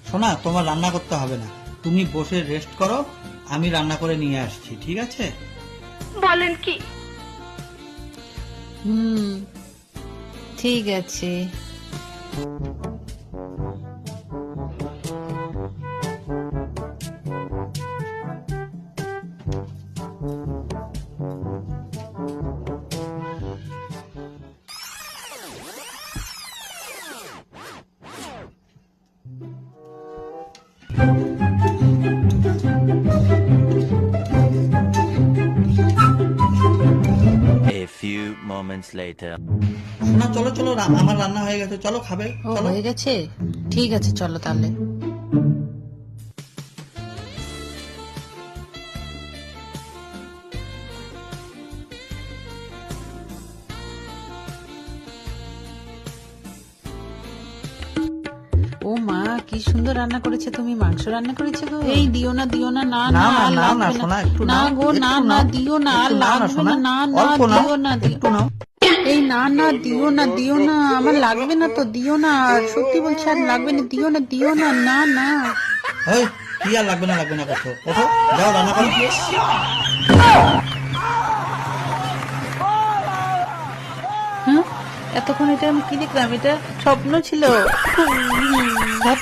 সোনা, তোমার রান্না করতে হবে না, তুমি বসে রেস্ট করো, আমি রান্না করে নিয়ে আসছি, ঠিক আছে? বলেন কি? ঠিক আছে। A few moments later. সোনা চলো চলো, আমার রান্না হয়ে গেছে, চলো খাবে, ও চলো। হয়ে গেছে, ঠিক আছে চলো তাহলে। ও মা, কি সুন্দর রান্না করেছে তুমি, মাংস রান্না করেছে গো। এই দিও না দিও না, না না না না আর না না লাগবে সোনা, না, একটু না নাও, গো না একটু না নাও, দিও না আর একটু নাও না লাগবে সোনা, না, না না অল্প নাও, দিও না একটু নাও। এই না না দিও না দিও না, আমার লাগবে না তো, দিও না, আর সত্যি বলছি আর লাগবে না, দিও না দিও না, না না। এই, কি আর লাগবে না করছো, ওঠো, যাও রান্না করো। হ্যাঁ, এতক্ষণ এটা আমি কি দেখলাম, এটা স্বপ্ন ছিল।